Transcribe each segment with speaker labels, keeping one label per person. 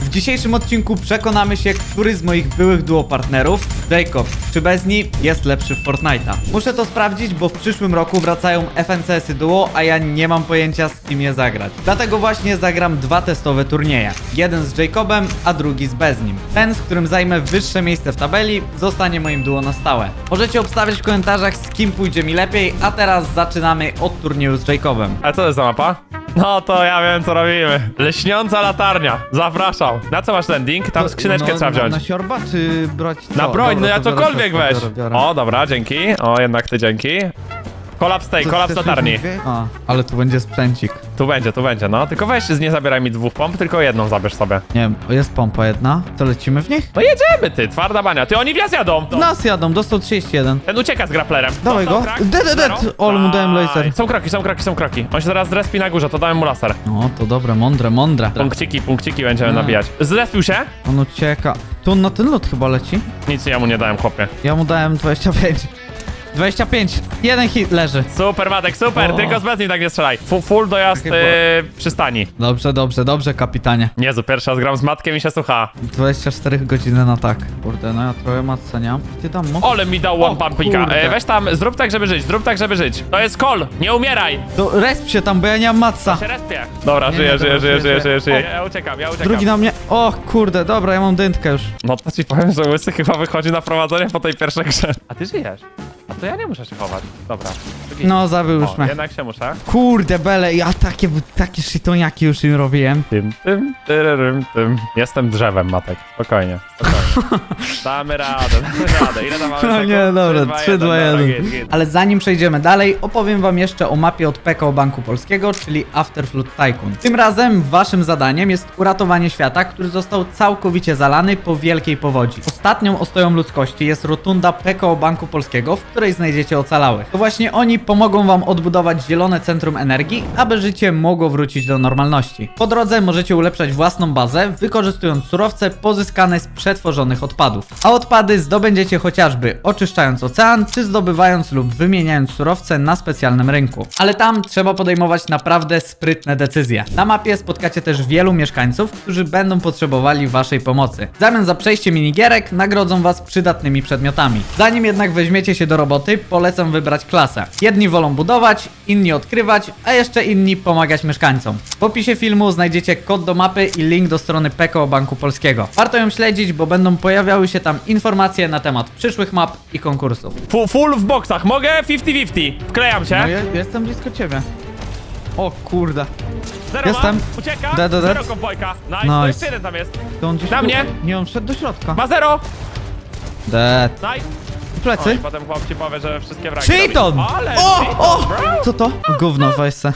Speaker 1: W dzisiejszym odcinku przekonamy się, który z moich byłych duopartnerów, Jacob czy Bezni, jest lepszy w Fortnite'a. Muszę to sprawdzić, bo w przyszłym roku wracają FNCS-y duo, a ja nie mam pojęcia, z kim je zagrać. Dlatego właśnie zagram dwa testowe turnieje. Jeden z Jacobem, a drugi z Beznim. Ten, z którym zajmę wyższe miejsce w tabeli, zostanie moim duo na stałe. Możecie obstawiać w komentarzach, z kim pójdzie mi lepiej, a teraz zaczynamy od turnieju z Jacobem.
Speaker 2: A co to jest za mapa? No to ja wiem, co robimy. Leśniąca latarnia. Zapraszam. Na co masz landing? Tam skrzyneczkę trzeba wziąć.
Speaker 1: Na siorba czy brać co?
Speaker 2: Na broń,
Speaker 1: Dobra,
Speaker 2: no ja
Speaker 1: to biorę
Speaker 2: cokolwiek
Speaker 1: siorba,
Speaker 2: weź.
Speaker 1: biorę.
Speaker 2: O, dobra, dzięki. O, jednak ty dzięki. Kolaps tej,
Speaker 1: Co,
Speaker 2: kolaps
Speaker 1: chcesz
Speaker 2: latarni.
Speaker 1: już mówię? A, ale tu będzie sprzęcik.
Speaker 2: Tu będzie, no. Tylko weź, nie zabieraj mi dwóch pomp, tylko jedną zabierz sobie.
Speaker 1: Nie wiem, jest pompa jedna. To lecimy w nich?
Speaker 2: No jedziemy, ty, twarda bania. Ty, oni w nas jadą.
Speaker 1: W nas jadą, dostał 31.
Speaker 2: Ten ucieka z grapplerem.
Speaker 1: Dawaj
Speaker 2: Dostał
Speaker 1: go.
Speaker 2: krak.
Speaker 1: Dead.
Speaker 2: Zero.
Speaker 1: Ol, mu dałem
Speaker 2: Daj.
Speaker 1: laser.
Speaker 2: Są kroki. On się zaraz zrespi na górze, to dałem mu laser.
Speaker 1: No, to dobre, mądre.
Speaker 2: Punkciki będziemy nabijać. Zrespił się?
Speaker 1: On ucieka. Tu on na ten lot chyba leci.
Speaker 2: Nic ja mu nie dałem, chłopie.
Speaker 1: Ja mu dałem 25. 25. Jeden hit leży.
Speaker 2: Super, Matek, super,
Speaker 1: O.
Speaker 2: tylko z bez nim tak nie strzelaj. Full dojazd
Speaker 1: Takie
Speaker 2: przystani.
Speaker 1: Dobrze, kapitanie.
Speaker 2: Jezu, pierwszy raz gram z Matkiem i się słucha.
Speaker 1: 24 godziny na tak. Kurde, no ja trochę matce nie mam. Ty tam mo...
Speaker 2: Ole mi dał one pumpika.
Speaker 1: kurde.
Speaker 2: Weź tam, zrób tak, żeby żyć. To jest call, nie umieraj.
Speaker 1: To resp się tam, bo ja nie mam matca.
Speaker 2: Się respie. Dobra,
Speaker 1: Nie,
Speaker 2: żyję.
Speaker 1: żyję.
Speaker 2: Ja uciekam.
Speaker 1: Drugi na mnie. O kurde, dobra, ja mam dętkę już.
Speaker 2: No to ci powiem, że Łysy chyba wychodzi na prowadzenie po tej pierwszej grze. A ty żyjesz. A to ja nie muszę się chować. Dobra.
Speaker 1: No, zabił już
Speaker 2: O,
Speaker 1: mnie.
Speaker 2: jednak się muszę.
Speaker 1: Kurde, bele, ja takie szytoniaki już im robiłem.
Speaker 2: Tym. Jestem drzewem, Matek. Spokojnie. Damy radę. Ile tam mamy
Speaker 1: No
Speaker 2: sekund?
Speaker 1: nie, dobra, 3, 2, 1.
Speaker 2: Git.
Speaker 1: Ale zanim przejdziemy dalej, opowiem wam jeszcze o mapie od PKO Banku Polskiego, czyli Afterflood Tycoon. Tym razem waszym zadaniem jest uratowanie świata, który został całkowicie zalany po wielkiej powodzi. Ostatnią ostoją ludzkości jest rotunda PKO Banku Polskiego, w której znajdziecie ocalałych. To właśnie oni pomogą wam odbudować zielone centrum energii, aby życie mogło wrócić do normalności. Po drodze możecie ulepszać własną bazę, wykorzystując surowce pozyskane z przetworzonych odpadów. A odpady zdobędziecie chociażby oczyszczając ocean, czy zdobywając lub wymieniając surowce na specjalnym rynku. Ale tam trzeba podejmować naprawdę sprytne decyzje. Na mapie spotkacie też wielu mieszkańców, którzy będą potrzebowali waszej pomocy. W zamian za przejście minigierek nagrodzą was przydatnymi przedmiotami. Zanim jednak weźmiecie się do roboty, polecam wybrać klasę. Jedni wolą budować, inni odkrywać, a jeszcze inni pomagać mieszkańcom. W opisie filmu znajdziecie kod do mapy i link do strony PKO Banku Polskiego. Warto ją śledzić, bo będą pojawiały się tam informacje na temat przyszłych map i konkursów.
Speaker 2: Full w boksach. Mogę? 50-50. Wklejam się.
Speaker 1: No ja jestem blisko ciebie. O kurde.
Speaker 2: Zero
Speaker 1: jestem.
Speaker 2: ma. Ucieka.
Speaker 1: Dead.
Speaker 2: Zero kowbojka. Nice.
Speaker 1: Nice.
Speaker 2: To jeszcze jeden tam jest.
Speaker 1: To on gdzieś
Speaker 2: Na
Speaker 1: tu-
Speaker 2: mnie.
Speaker 1: Nie, on wszedł do środka.
Speaker 2: Ma zero.
Speaker 1: Dead.
Speaker 2: Nice.
Speaker 1: Plecy.
Speaker 2: Oj, potem chłop ci powie, że wszystkie wragi
Speaker 1: Cheaton!
Speaker 2: robi. Ale
Speaker 1: O!
Speaker 2: cheaton, bro.
Speaker 1: Co to? Gówno, weź se.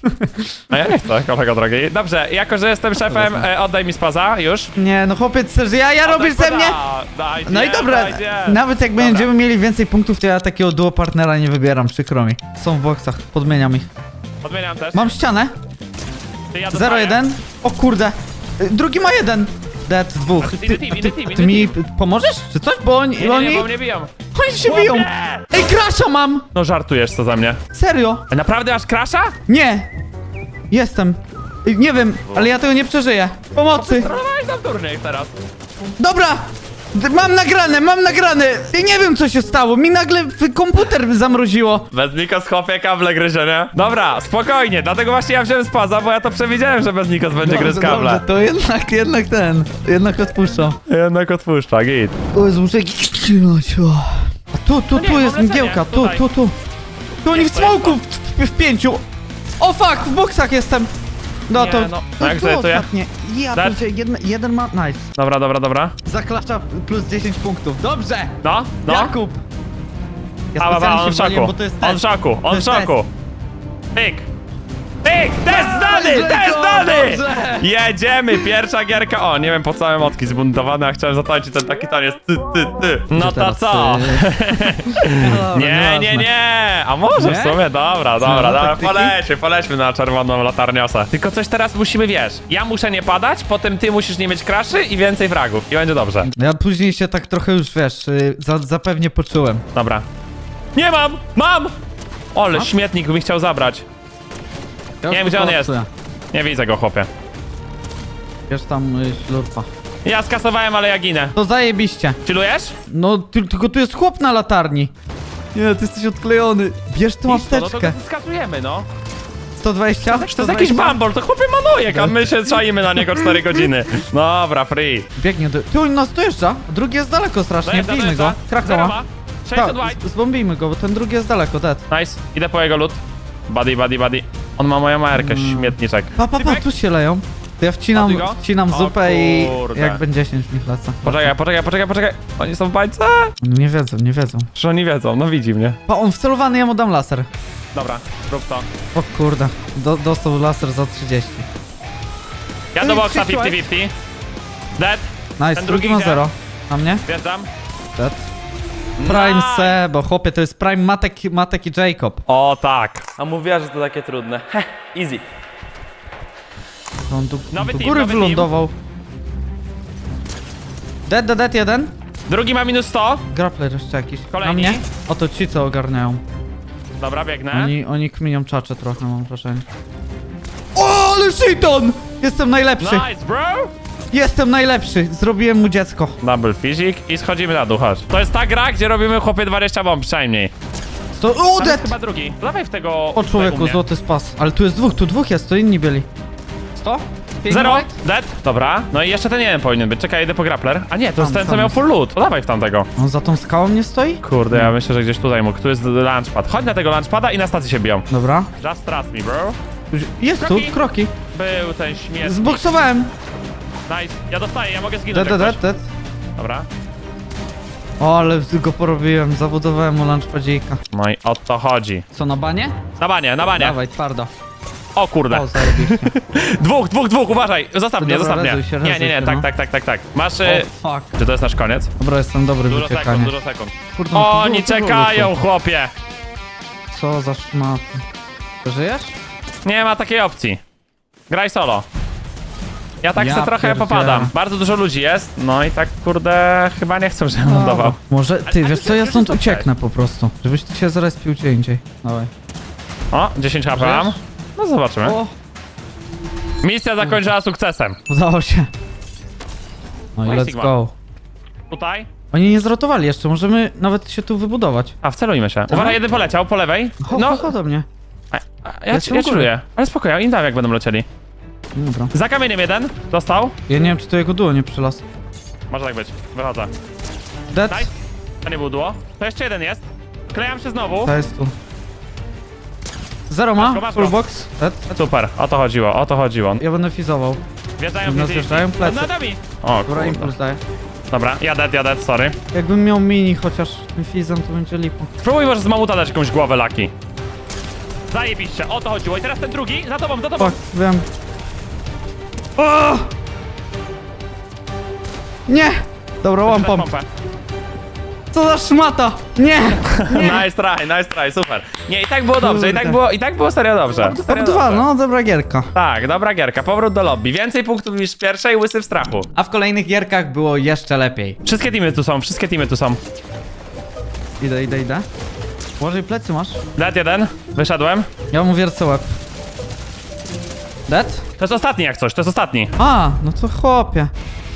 Speaker 2: A ja nie chcę, kolego drogi. Dobrze, jako że jestem szefem, oddaj mi spaza, już.
Speaker 1: Nie, no chłopiec, chcesz, ja robisz ze mnie?
Speaker 2: Dajcie,
Speaker 1: No i dobra,
Speaker 2: dajcie.
Speaker 1: nawet jak
Speaker 2: Dobra.
Speaker 1: będziemy mieli więcej punktów, to ja takiego duo partnera nie wybieram, przykro mi. Są w boksach, podmieniam ich.
Speaker 2: Odmieniam też.
Speaker 1: Mam ścianę,
Speaker 2: Ty, ja dostaję.
Speaker 1: 0-1. O kurde, drugi ma 1. Dead, dwóch.
Speaker 2: A to jest inny team,
Speaker 1: Ty mi pomożesz, czy coś? Bo oni,
Speaker 2: Nie, bo mnie biją.
Speaker 1: oni się biją.
Speaker 2: Chłopie!
Speaker 1: Ej, crasha mam!
Speaker 2: No żartujesz co za mnie.
Speaker 1: Serio?
Speaker 2: A naprawdę masz crasha?
Speaker 1: Nie! Jestem. Nie wiem, ale ja tego nie przeżyję. Pomocy!
Speaker 2: Próbowałeś nam turniej teraz.
Speaker 1: Dobra! Mam nagrane! Ja nie wiem co się stało, mi nagle komputer zamroziło.
Speaker 2: Bez Nikos chłopie kable gryzie, nie? Dobra, spokojnie, dlatego właśnie ja wziąłem spaza, bo ja to przewidziałem, że bez Nikos będzie gryz kable.
Speaker 1: Dobrze, to jednak odpuszczam.
Speaker 2: Jednak odpuszcza, git.
Speaker 1: O Jezu, muszę ścinać. A tu
Speaker 2: No nie,
Speaker 1: jest
Speaker 2: mam
Speaker 1: mgiełka,
Speaker 2: lecenie, tutaj.
Speaker 1: tu. Tu oni w
Speaker 2: to jest
Speaker 1: smoku w 5. O fuck, w boksach jestem. No
Speaker 2: Nie,
Speaker 1: to,
Speaker 2: no.
Speaker 1: to
Speaker 2: Jak
Speaker 1: było
Speaker 2: zajętuję?
Speaker 1: ostatnie. Ja
Speaker 2: Dead?
Speaker 1: pierdzie, jeden ma, nice.
Speaker 2: Dobra.
Speaker 1: Zaklacza plus 10 punktów, dobrze.
Speaker 2: No.
Speaker 1: Jakub. Ja
Speaker 2: A,
Speaker 1: specjalnie
Speaker 2: on
Speaker 1: się
Speaker 2: w
Speaker 1: waliłem,
Speaker 2: szoku.
Speaker 1: bo to jest
Speaker 2: On w
Speaker 1: test.
Speaker 2: szoku,
Speaker 1: To
Speaker 2: on w
Speaker 1: jest
Speaker 2: szoku. Pyk! Test zdany,
Speaker 1: Let's
Speaker 2: test
Speaker 1: go,
Speaker 2: zdany!
Speaker 1: dobrze.
Speaker 2: Jedziemy, pierwsza gierka. O, nie wiem po co emotki zbuntowane, a chciałem zatańczyć ten taki taniec. Ty. No to
Speaker 1: teraz,
Speaker 2: co? Nie. A może w
Speaker 1: Nie?
Speaker 2: sumie, dobra,
Speaker 1: taktyki?
Speaker 2: polećmy na czerwoną latarniosę. Tylko coś teraz musimy, wiesz, ja muszę nie padać, potem ty musisz nie mieć kraszy i więcej fragów. I będzie dobrze.
Speaker 1: Ja później się tak trochę już, wiesz, zapewnie poczułem.
Speaker 2: Dobra. Nie mam! Ole,
Speaker 1: Masz?
Speaker 2: śmietnik mi chciał zabrać.
Speaker 1: Ja
Speaker 2: Nie
Speaker 1: już
Speaker 2: wiem, gdzie on
Speaker 1: tu
Speaker 2: jest.
Speaker 1: kolapsuję.
Speaker 2: Nie widzę go, chłopie.
Speaker 1: Bierz tam ślurpa.
Speaker 2: Ja skasowałem, ale ja ginę.
Speaker 1: To zajebiście.
Speaker 2: Chillujesz?
Speaker 1: No, tylko tu jest chłop na latarni. Nie, ty jesteś odklejony. Bierz tą
Speaker 2: No to
Speaker 1: apteczkę.
Speaker 2: go skasujemy, no.
Speaker 1: 120?
Speaker 2: To jest jakiś bambol, to chłopie manojek, a my się czaimy na niego 4 godziny. Dobra, free.
Speaker 1: Biegnie do... Ty, on nas dojeżdża. Drugi jest daleko strasznie. Bijmy go. Krakowa.
Speaker 2: 600 white.
Speaker 1: Zbombijmy go, bo ten drugi jest daleko, dead.
Speaker 2: Nice, idę po jego loot. Buddy. On ma moją markę, śmietniczek.
Speaker 1: Pa, tu się leją. To ja
Speaker 2: Ładuj go.
Speaker 1: wcinam
Speaker 2: O
Speaker 1: zupę i
Speaker 2: kurde.
Speaker 1: jakby 10 mi lecę.
Speaker 2: Poczekaj. Oni są w bańce?
Speaker 1: Nie wiedzą.
Speaker 2: Czy oni wiedzą? No widzi mnie.
Speaker 1: Pa, on wcelowany, ja mu dam laser.
Speaker 2: Dobra, rób to.
Speaker 1: O kurde, dostał laser za 30.
Speaker 2: Ja do boxa 50-50. Dead,
Speaker 1: Nice,
Speaker 2: Ten
Speaker 1: drugi
Speaker 2: drugi
Speaker 1: ma
Speaker 2: idzie.
Speaker 1: 0. Na mnie?
Speaker 2: wjeżdżam.
Speaker 1: Dead. Prime
Speaker 2: Nice.
Speaker 1: Sebo, chłopie, to jest Prime Matek i Jacob.
Speaker 2: O tak. A mówiła, że to takie trudne. Easy.
Speaker 1: To on tu
Speaker 2: Nowy
Speaker 1: do
Speaker 2: team,
Speaker 1: góry
Speaker 2: nowy team.
Speaker 1: wylądował. Dead jeden.
Speaker 2: Drugi ma minus 100.
Speaker 1: Grappler jeszcze jakiś.
Speaker 2: Kolejni.
Speaker 1: Na mnie? Oto ci, co ogarniają.
Speaker 2: Dobra, biegnę.
Speaker 1: Oni kminią czacze trochę, mam wrażenie. O, ale shiton! Jestem najlepszy.
Speaker 2: Nice, bro.
Speaker 1: Jestem najlepszy. Zrobiłem mu dziecko.
Speaker 2: Double physic i schodzimy na dół, chodź. To jest ta gra, gdzie robimy chłopie 20 bomb przynajmniej.
Speaker 1: O,
Speaker 2: Tam jest
Speaker 1: dead!
Speaker 2: chyba drugi. Dawaj w tego...
Speaker 1: O człowieku,
Speaker 2: mnie.
Speaker 1: złoty spas. Ale tu jest dwóch jest, to inni byli. 100?
Speaker 2: Zero, dead. Dobra, no i jeszcze ten jeden powinien być. Czekaj, idę po grappler. A nie, to jest ten, co
Speaker 1: tam
Speaker 2: miał
Speaker 1: jest.
Speaker 2: full loot. To dawaj w tamtego.
Speaker 1: On za tą skałą nie stoi?
Speaker 2: Kurde, ja myślę, że gdzieś tutaj mógł. Tu jest launchpad. Chodź na tego launchpada i na stacji się biją.
Speaker 1: Dobra.
Speaker 2: Just trust me, bro.
Speaker 1: Jest tu,
Speaker 2: Kroki.
Speaker 1: kroki.
Speaker 2: Był ten śmieszny.
Speaker 1: Zboksowałem.
Speaker 2: Nice. Ja dostaję, ja mogę zginąć.
Speaker 1: Dead.
Speaker 2: jak coś. Dobra.
Speaker 1: O, ale go porobiłem, zabudowałem mu lunchpadzika.
Speaker 2: No i o to chodzi.
Speaker 1: Co, na banie?
Speaker 2: Na banie.
Speaker 1: Dawaj, twardo.
Speaker 2: O kurde.
Speaker 1: O, zarobiście.
Speaker 2: Dwóch, uważaj. Zostaw mnie,
Speaker 1: Dobra,
Speaker 2: zostaw mnie.
Speaker 1: rezuj się,
Speaker 2: Nie,
Speaker 1: no.
Speaker 2: tak. Masz...
Speaker 1: O, fuck.
Speaker 2: Czy to jest nasz koniec?
Speaker 1: Dobra, jestem dobry w
Speaker 2: Dużo
Speaker 1: uciekaniu.
Speaker 2: sekund.
Speaker 1: Kurde, no to
Speaker 2: Oni
Speaker 1: było,
Speaker 2: czekają, chłopie.
Speaker 1: Co za szmaty. Żyjesz?
Speaker 2: Nie ma takiej opcji. Graj solo. Ja tak
Speaker 1: Ja
Speaker 2: se trochę
Speaker 1: pierdzielę.
Speaker 2: popadam. Bardzo dużo ludzi jest, no i tak kurde chyba nie chcę, żebym lądował.
Speaker 1: Może, ty,
Speaker 2: Ale
Speaker 1: wiesz co, ja
Speaker 2: już
Speaker 1: stąd
Speaker 2: jest okej.
Speaker 1: ucieknę po prostu. Żebyś ty się zrespił gdzie indziej. Dawaj.
Speaker 2: O, 10 HP mam.
Speaker 1: Żyjesz?
Speaker 2: No zobaczymy.
Speaker 1: O,
Speaker 2: Misja zakończyła sukcesem.
Speaker 1: udało się. No i
Speaker 2: No i
Speaker 1: let's
Speaker 2: Sigma.
Speaker 1: go.
Speaker 2: Tutaj.
Speaker 1: Oni nie zrotowali jeszcze, możemy nawet się tu wybudować.
Speaker 2: A, wcelujmy się. Uważaj, jeden poleciał, po lewej.
Speaker 1: Ho do mnie.
Speaker 2: Ja
Speaker 1: jestem u góry.
Speaker 2: czuję. Ale spokojnie, im dam jak będą lecieli.
Speaker 1: Dobra.
Speaker 2: Za kamieniem jeden. Dostał.
Speaker 1: Ja nie wiem, czy to jego duo nie przylas.
Speaker 2: Może tak być. Wychodzę.
Speaker 1: Dead.
Speaker 2: Nice. To nie był duo. To jeszcze jeden jest. Klejam się znowu.
Speaker 1: To jest tu. Zero
Speaker 2: Masz
Speaker 1: ma,
Speaker 2: go, masz
Speaker 1: full
Speaker 2: go.
Speaker 1: box. Dead.
Speaker 2: Super, o to chodziło.
Speaker 1: Ja będę fizował.
Speaker 2: Wjeżdżają
Speaker 1: Nas
Speaker 2: w
Speaker 1: wjeżdżają plecy.
Speaker 2: Nad nami. O,
Speaker 1: Dobra,
Speaker 2: kurde.
Speaker 1: impuls daję.
Speaker 2: Dobra, jadę, sorry.
Speaker 1: Jakbym miał mini chociaż tym fizem, to będzie lipo.
Speaker 2: Spróbuj może z mamuta dać jakąś głowę laki. Zajebiście, o to chodziło. I teraz ten drugi, za tobą.
Speaker 1: Fuck, wiem. O! Nie! Dobra, łam pomp.
Speaker 2: Pompę.
Speaker 1: Co za szmata! Nie!
Speaker 2: Nice try, super. Nie, i tak było dobrze, i tak było serio dobrze. Serio
Speaker 1: Top 2,
Speaker 2: dobrze.
Speaker 1: no dobra gierka.
Speaker 2: Tak, dobra gierka, powrót do lobby. Więcej punktów niż w pierwszej, łysy w strachu.
Speaker 1: A w kolejnych gierkach było jeszcze lepiej.
Speaker 2: Wszystkie teamy tu są.
Speaker 1: Idę. Może i plecy masz?
Speaker 2: Dead jeden, wyszedłem.
Speaker 1: Ja mu wiercę łeb. Dead?
Speaker 2: To jest ostatni jak coś, to jest ostatni.
Speaker 1: A, no to chłopie.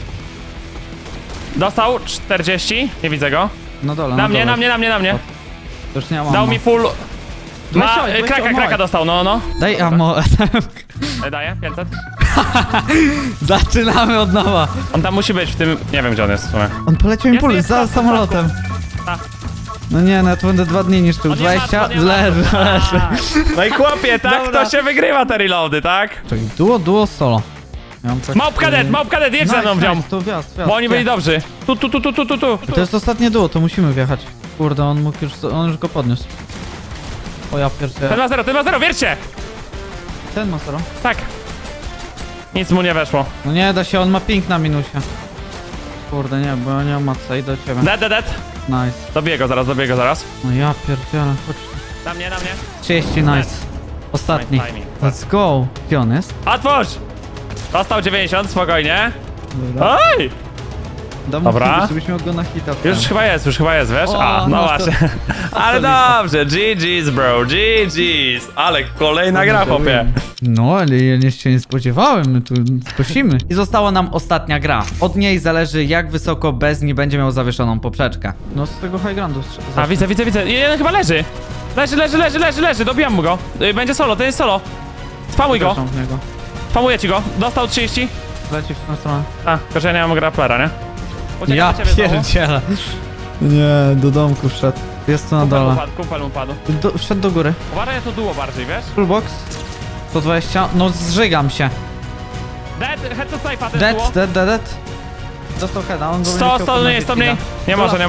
Speaker 2: Dostał 40, nie widzę go.
Speaker 1: Na dole,
Speaker 2: Na mnie.
Speaker 1: To już nie mam.
Speaker 2: Dał mi full... Ma,
Speaker 1: Weź
Speaker 2: kraka dostał, no.
Speaker 1: Daj ammo.
Speaker 2: Daję, 500.
Speaker 1: Zaczynamy od nowa.
Speaker 2: On tam musi być w tym, nie wiem gdzie on jest w sumie.
Speaker 1: On poleciał impuls
Speaker 2: jest,
Speaker 1: za
Speaker 2: jest,
Speaker 1: samolotem.
Speaker 2: Tak.
Speaker 1: No nie, no ja tu będę 2 dni niszczył.
Speaker 2: On nie ma,
Speaker 1: 20,
Speaker 2: on nie ma.
Speaker 1: leży.
Speaker 2: No i chłopie, tak
Speaker 1: Dobra.
Speaker 2: to się wygrywa te reloady, tak?
Speaker 1: Czekaj, duo, solo. Ja mam tak-
Speaker 2: Małpka dead, jedź ze mną w nią.
Speaker 1: To wjazd.
Speaker 2: Bo oni byli dobrzy. Tu.
Speaker 1: To jest ostatnie duo, to musimy wjechać. Kurde, on już go podniósł. O ja pierdzielę.
Speaker 2: Ten ma zero, wiercie!
Speaker 1: Ten ma zero.
Speaker 2: Tak. Nic mu nie weszło.
Speaker 1: No nie da się, on ma ping na minusie. Kurde, nie, bo ja nie mam matca, idę do ciebie.
Speaker 2: Dead.
Speaker 1: Nice.
Speaker 2: Dobiję go zaraz.
Speaker 1: No ja pierdzielę, chodź.
Speaker 2: Na mnie.
Speaker 1: 30, nice. Ostatni.
Speaker 2: Nice timing.
Speaker 1: Let's go. Gdzie on jest?
Speaker 2: Otwórz! Dostał 90, spokojnie.
Speaker 1: Dobra.
Speaker 2: Oj!
Speaker 1: Dam
Speaker 2: Dobra.
Speaker 1: mu żebyśmy go na hita.
Speaker 2: Już chyba jest, wiesz?
Speaker 1: O,
Speaker 2: A, no
Speaker 1: no to-
Speaker 2: właśnie. Ale dobrze, GG's bro, GG's. Ale kolejna gra, chłopie.
Speaker 1: No, ale ja się nie spodziewałem, my tu skosimy. I została nam ostatnia gra. Od niej zależy, jak wysoko Bezni będzie miał zawieszoną poprzeczkę. No z tego high groundu.
Speaker 2: A, widzę. Jeden chyba leży. Leży, dobijam mu go. Będzie solo, to jest solo. Spamuj go,
Speaker 1: Zapraszam w niego.
Speaker 2: spamuję ci go. Dostał 30.
Speaker 1: Leci w tą stronę.
Speaker 2: A, tylko że ja nie mam grapplera, nie? Uciekam
Speaker 1: Ja
Speaker 2: do ciebie znowu.
Speaker 1: pierdzielę. Nie, do domku wszedł. Jest tu na dole.
Speaker 2: Kumpel mu padł.
Speaker 1: Wszedł do góry.
Speaker 2: Uważaj, to duo bardziej, wiesz?
Speaker 1: Fullbox. 120. No zżygam się.
Speaker 2: Dead, head to safe'a, to jest duo.
Speaker 1: Dead. Dostał heada, on go
Speaker 2: 100 mniej, 100 mniej. Nie może.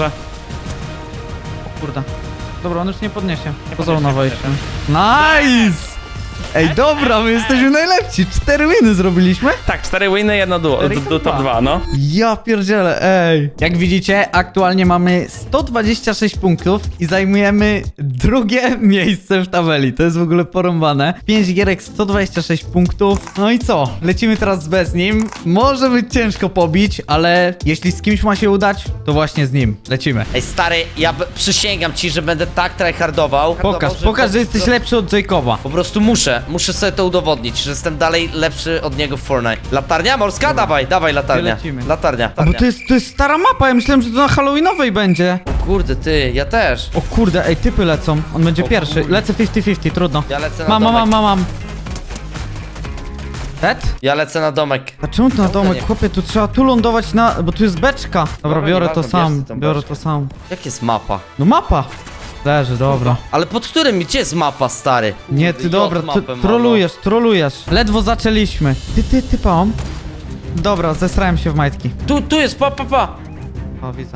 Speaker 1: O kurde. Dobra, on już nie podniesie. Poza
Speaker 2: podniesie,
Speaker 1: na wejściem. Nice! Ej, dobra, my jesteśmy najlepsi. 4 winy zrobiliśmy.
Speaker 2: Tak, 4 winy, jedno duo,
Speaker 1: Cztery i
Speaker 2: top
Speaker 1: top
Speaker 2: 2, no.
Speaker 1: Ja pierdzielę, ej. Jak widzicie, aktualnie mamy 126 punktów i zajmujemy drugie miejsce w tabeli. To jest w ogóle porąbane. 5 gierek, 126 punktów. No i co? Lecimy teraz bez nim. Może być ciężko pobić, ale jeśli z kimś ma się udać, to właśnie z nim. Lecimy.
Speaker 3: Ej stary, przysięgam ci, że będę tak tryhardował.
Speaker 1: Pokaż, że jesteś lepszy od Jacoba.
Speaker 3: Po prostu muszę sobie to udowodnić, że jestem dalej lepszy od niego w Fortnite. Latarnia morska? Dawaj latarnia.
Speaker 1: Lecimy.
Speaker 3: Latarnia.
Speaker 1: A bo to jest stara mapa, ja myślałem, że to na Halloweenowej będzie.
Speaker 3: Kurde ty, ja też.
Speaker 1: O kurde, ej, typy lecą. On będzie
Speaker 3: O
Speaker 1: pierwszy.
Speaker 3: kurde.
Speaker 1: Lecę 50-50, trudno.
Speaker 3: Ja lecę na domek.
Speaker 1: Mam. Dead?
Speaker 3: Ja lecę na domek.
Speaker 1: A czemu tu na domek?
Speaker 3: nie.
Speaker 1: Chłopie, tu trzeba tu lądować na... Bo tu jest beczka. Dobra,
Speaker 3: Dobra,
Speaker 1: biorę to
Speaker 3: nieważne,
Speaker 1: sam.
Speaker 3: bierz ty tą
Speaker 1: Biorę
Speaker 3: beczkę.
Speaker 1: to sam.
Speaker 3: Jak jest mapa?
Speaker 1: No mapa. Leży, dobra.
Speaker 3: Ale pod którym? Gdzie jest mapa, stary?
Speaker 1: Nie,
Speaker 3: Kurde,
Speaker 1: ty dobra,
Speaker 3: J mapę mam,
Speaker 1: trolujesz. Ledwo zaczęliśmy. Ty pałam. Dobra, zesrałem się w majtki.
Speaker 3: Tu jest, pa.
Speaker 1: O, widzę.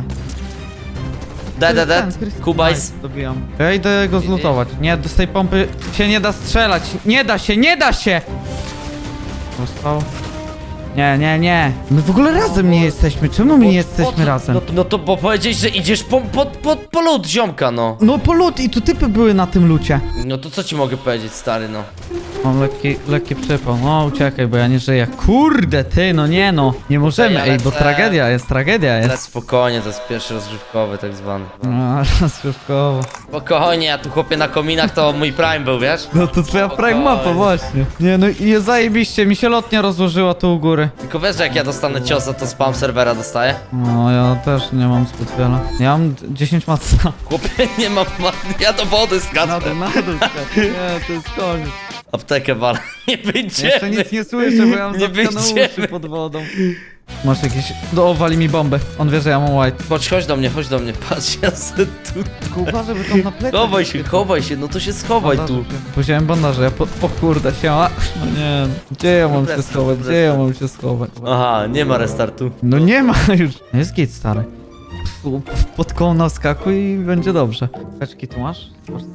Speaker 3: Dead. Kubajs.
Speaker 1: Nice, dobijam. Ja idę go zlutować. Nie, z tej pompy się nie da strzelać. Nie da się! Został. Nie. My w ogóle razem nie jesteśmy. Czemu my nie jesteśmy razem?
Speaker 3: No to bo powiedziałeś, że idziesz po lód ziomka, no.
Speaker 1: No po lód i tu typy były na tym lucie.
Speaker 3: No to co ci mogę powiedzieć, stary, no.
Speaker 1: Mam lekki przypał. No uciekaj, bo ja nie żyję. Kurde ty, no nie no. Nie możemy,
Speaker 3: Ja
Speaker 1: ej, bo
Speaker 3: lecę.
Speaker 1: tragedia jest.
Speaker 3: Ale spokojnie, to jest pierwszy rozgrzewkowy tak zwany.
Speaker 1: No, rozgrzewkowo.
Speaker 3: Spokojnie, ja tu chłopie na kominach to mój prime był, wiesz?
Speaker 1: No to twoja prime mapa właśnie. Nie no i zajebiście, mi się lotnia rozłożyła tu u góry.
Speaker 3: Tylko wiesz, że jak ja dostanę ciosa, to spam serwera dostaję?
Speaker 1: No ja też nie mam zbyt wiele. Ja mam 10 matca.
Speaker 3: Chłopie, nie mam, ja do wody skaczę.
Speaker 1: Na dół, nie, to jest koniec.
Speaker 3: Aptekę wal, nie
Speaker 1: Jeszcze
Speaker 3: wyjdziemy.
Speaker 1: nic nie słyszę, bo ja mam
Speaker 3: Nie
Speaker 1: zatkane
Speaker 3: wyjdziemy.
Speaker 1: uszy pod wodą. Masz jakieś... wali mi bombę. On wie, że ja mam white.
Speaker 3: Chodź do mnie, patrz, ja se tu...
Speaker 1: Tylko uważaj, bo tam na plecach...
Speaker 3: Chowaj się, no to się schowaj tu.
Speaker 1: Wziąłem bandaże, ja o kurde, siema. No nie, gdzie ja mam się schować,
Speaker 3: Aha, nie ma restartu.
Speaker 1: No nie ma już. Jest git, stary. Pod koło naskakuj i będzie dobrze. Kaczki tu masz? W Polsce?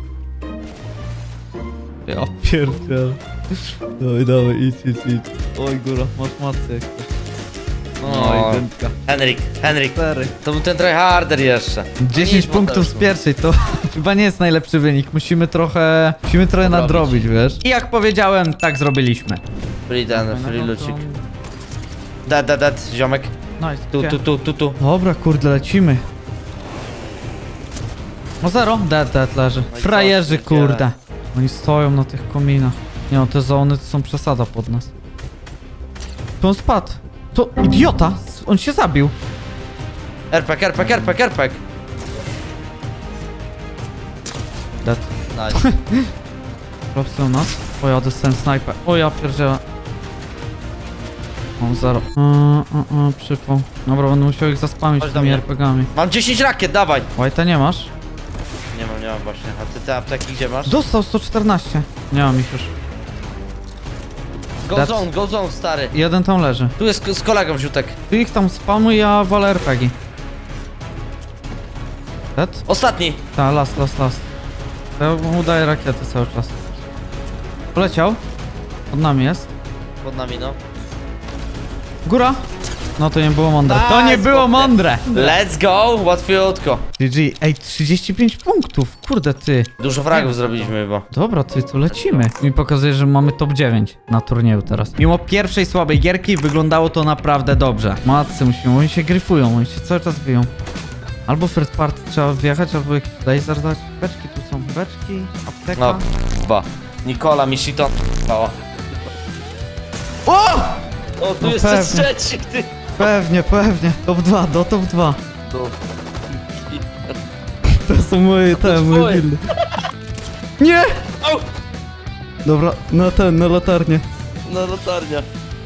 Speaker 1: Ja pierdzielę. Dawaj, idź. Oj, góra, masz masę jak coś.
Speaker 3: O,
Speaker 1: dętka.
Speaker 3: Henryk,
Speaker 1: 4.
Speaker 3: to był ten tryharder jeszcze.
Speaker 1: 10
Speaker 3: Nic,
Speaker 1: punktów z
Speaker 3: Mateuszku.
Speaker 1: pierwszej, to chyba nie jest najlepszy wynik. Musimy trochę nadrobić, wiesz? I jak powiedziałem, tak zrobiliśmy.
Speaker 3: Free lucik. Dead, ziomek.
Speaker 1: Nice.
Speaker 3: Tu.
Speaker 1: Dobra, kurde, lecimy. O zero? Dead leży.
Speaker 3: No i
Speaker 1: Frajerzy,
Speaker 3: co, pierdziele.
Speaker 1: kurde. Oni stoją na tych kominach. Nie no, te zony to są przesada pod nas. To on spadł. To idiota! On się zabił.
Speaker 3: RPG.
Speaker 1: Dead.
Speaker 3: Nice.
Speaker 1: Propsy u nas. O ja dostałem snajper. O ja pierdzielę. Mam zero. Przypał. Dobra, będę musiał ich zaspamić
Speaker 3: Chodź do
Speaker 1: tymi
Speaker 3: mnie.
Speaker 1: RPGami.
Speaker 3: Mam 10 rakiet, dawaj.
Speaker 1: White'a nie masz?
Speaker 3: Nie mam właśnie. A ty te apteki gdzie masz?
Speaker 1: Dostał 114. Nie mam ich już.
Speaker 3: Go zone, stary.
Speaker 1: Jeden tam leży.
Speaker 3: Tu jest z kolegą ziutek.
Speaker 1: Ty ich tam spamuj, ja walę RPG. Dead?
Speaker 3: Ostatni.
Speaker 1: Ta, last. Ja mu daję rakiety cały czas. Poleciał. Pod nami jest.
Speaker 3: Pod nami, no.
Speaker 1: Góra. No to nie było mądre. To nie
Speaker 3: Nice,
Speaker 1: było
Speaker 3: chłopie.
Speaker 1: mądre!
Speaker 3: Let's go, łatwiutko.
Speaker 1: GG, ej, 35 punktów, kurde ty.
Speaker 3: Dużo fragów zrobiliśmy chyba.
Speaker 1: Dobra, ty, tu lecimy. Mi pokazuje, że mamy top 9 na turnieju teraz. Mimo pierwszej słabej gierki wyglądało to naprawdę dobrze. Matcy musimy, oni się gryfują, oni się cały czas biją. Albo third party trzeba wjechać, albo jakiś laser dać. Beczki tu są, beczki, apteka.
Speaker 3: No, chyba. Nikola mi shiton. O, tu
Speaker 1: No
Speaker 3: jest
Speaker 1: pewnie.
Speaker 3: trzeci, ty.
Speaker 1: Pewnie, pewnie. Top 2, do top 2. To są moje, te, moje
Speaker 3: twoje.
Speaker 1: buildy. Nie!
Speaker 3: Au!
Speaker 1: Dobra, na latarnię.
Speaker 3: No latarnia.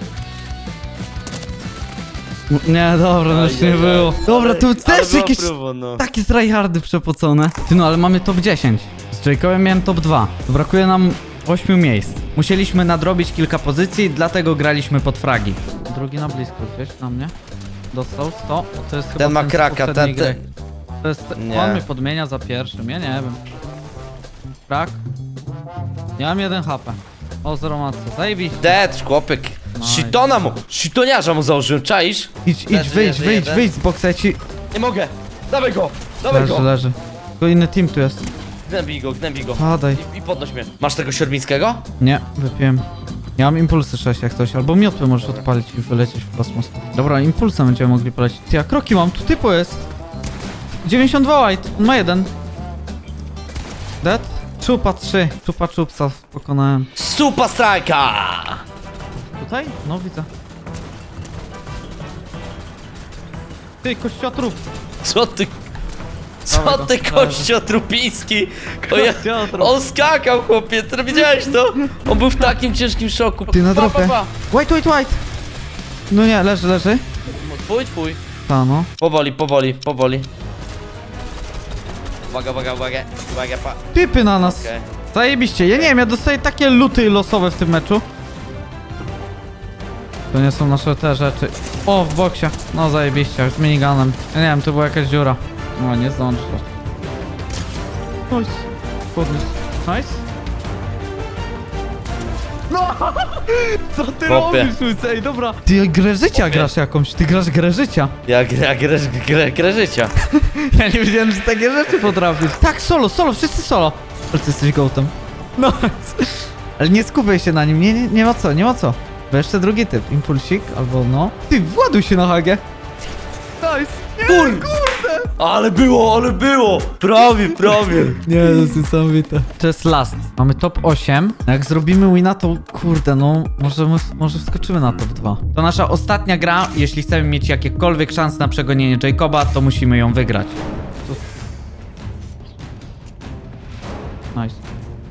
Speaker 1: Nie, dobra, no już nie było. Dobra, tu też jakieś
Speaker 3: No.
Speaker 1: takie tryhardy przepocone. Ty no, ale mamy top 10. Z Jacobem miałem top 2. To brakuje nam 8 miejsc. Musieliśmy nadrobić kilka pozycji, dlatego graliśmy pod fragi. Drugi na blisko gdzieś na mnie. Dostał 100. To jest chyba
Speaker 3: Ten ma
Speaker 1: z
Speaker 3: kraka,
Speaker 1: poprzedniej
Speaker 3: ten-
Speaker 1: gry. To jest...
Speaker 3: Nie.
Speaker 1: On mnie podmienia za pierwszym, ja nie wiem. Krak. Ja mam 1 HP. O, 0 matce, zajebiście.
Speaker 3: Dead, chłopek.
Speaker 1: Nice.
Speaker 3: Shitona mu, shitoniarza mu założyłem, czaisz?
Speaker 1: Idź,
Speaker 3: Leży,
Speaker 1: wyjdź,
Speaker 3: leży
Speaker 1: wyjdź,
Speaker 3: jeden.
Speaker 1: wyjdź z boksa, ja ci...
Speaker 3: Nie mogę. Dawaj go, dawaj
Speaker 1: Leży,
Speaker 3: go.
Speaker 1: leży. Tylko inny team tu jest.
Speaker 3: Gnębij go.
Speaker 1: Padaj.
Speaker 3: I podnoś mnie. Masz tego Siorbińskiego?
Speaker 1: Nie, wypiłem. Ja mam impulsy 6 jak coś, albo miotły możesz odpalić i wylecieć w kosmos. Dobra, impulsem będziemy mogli polecieć. Ty, ja kroki mam, tu typu jest. 92 white, on ma 1. Dead? Czupa 3, czupa czupsa pokonałem.
Speaker 3: Super strajka!
Speaker 1: Tutaj? No widzę. Ty, kościotrup.
Speaker 3: Co ty?
Speaker 1: Dawaj
Speaker 3: Co
Speaker 1: go,
Speaker 3: ty,
Speaker 1: dawaj go.
Speaker 3: kościo trupiński? O ja...
Speaker 1: Kościotrup.
Speaker 3: On skakał, chłopie, ty widziałeś to? On był w takim ciężkim szoku.
Speaker 1: Ty, na dropie. White, white, white. No nie, leży, leży.
Speaker 3: Twój.
Speaker 1: Ta no.
Speaker 3: Powoli. Uwaga, pa.
Speaker 1: Typy na nas.
Speaker 3: Okej.
Speaker 1: Zajebiście, ja nie wiem, ja dostaję takie luty losowe w tym meczu. To nie są nasze te rzeczy. O, w boksie. No zajebiście, z minigunem. Ja nie wiem, to była jakaś dziura. No, nie zdążysz. Nice. Podniósł. Nice. No! Co ty
Speaker 3: Chłopie.
Speaker 1: robisz, Lucy? Ej, dobra. Ty grę życia
Speaker 3: Chłopie.
Speaker 1: grasz jakąś, ty grasz grę życia.
Speaker 3: Ja grę życia.
Speaker 1: Ja nie wiedziałem, że takie rzeczy potrafisz. Tak, solo, wszyscy solo. Ale ty jesteś gołtem. No. Ale nie skupiaj się na nim, nie ma co. Bo jeszcze drugi typ, impulsik albo no. Ty, właduj się na hagę. Nice.
Speaker 3: Ale było! Prawie.
Speaker 1: Nie, to jest niesamowite. To jest last. Mamy top 8. Jak zrobimy wina, to kurde, no może wskoczymy na top 2. To nasza ostatnia gra. Jeśli chcemy mieć jakiekolwiek szans na przegonienie Jacoba, to musimy ją wygrać. Nice.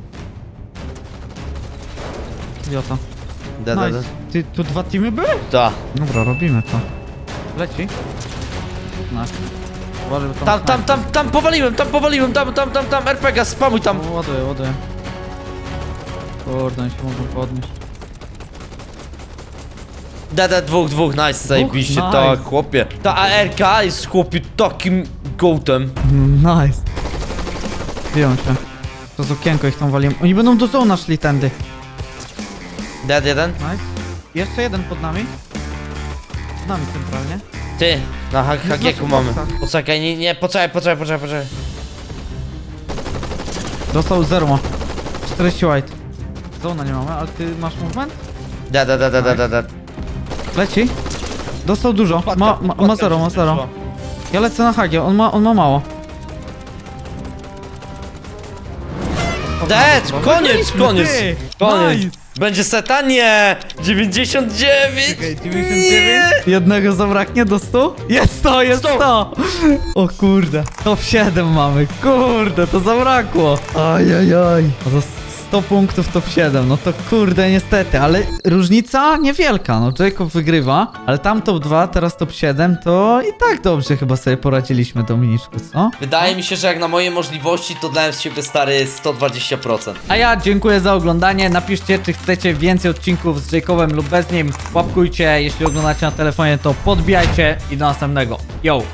Speaker 1: Idiota. Nice. Ty, tu 2 teamy były?
Speaker 3: Ta.
Speaker 1: Dobra, robimy to. Leci. Nice. Uważaj, bo
Speaker 3: Tam powaliłem, tam, RPG, spamuj tam.
Speaker 1: O, ładuję. Kurde, oni się mogą podnieść.
Speaker 3: Dwóch, nice, zajebiście,
Speaker 1: nice.
Speaker 3: tak, chłopie. Ta ARK jest, chłopie, takim gołtem.
Speaker 1: Nice. Biją się. To z okienko ich tam waliłem. Oni będą do zona szli tędy.
Speaker 3: Dead jeden.
Speaker 1: Nice. Jeszcze jeden pod nami. Pod nami centralnie.
Speaker 3: Ty, na hakieku
Speaker 1: w
Speaker 3: mamy.
Speaker 1: boksach.
Speaker 3: Poczekaj, nie, poczekaj.
Speaker 1: Dostał 0 ma. 40 white. Zona nie mamy, ale ty masz movement?
Speaker 3: Dead.
Speaker 1: Leci. Dostał dużo. Ma 0. Ja lecę na hagie, on ma mało.
Speaker 3: Dead, koniec.
Speaker 1: Ty. Nice.
Speaker 3: Będzie seta? Nie! 99!
Speaker 1: 99? Jednego zabraknie do 100? Jest 100! O kurde, top 7 mamy, kurde, to zabrakło. Ajajaj. A za 100 punktów top 7, no to kurde niestety, ale różnica niewielka, no Jacob wygrywa, ale tam top 2, teraz top 7, to i tak dobrze chyba sobie poradziliśmy, Dominiczku, co?
Speaker 3: Wydaje mi się, że jak na moje możliwości, to dałem z siebie stary 120%.
Speaker 1: A ja dziękuję za oglądanie, napiszcie czy chcecie więcej odcinków z Jacobem lub bez nim, łapkujcie, jeśli oglądacie na telefonie to podbijajcie i do następnego, yo!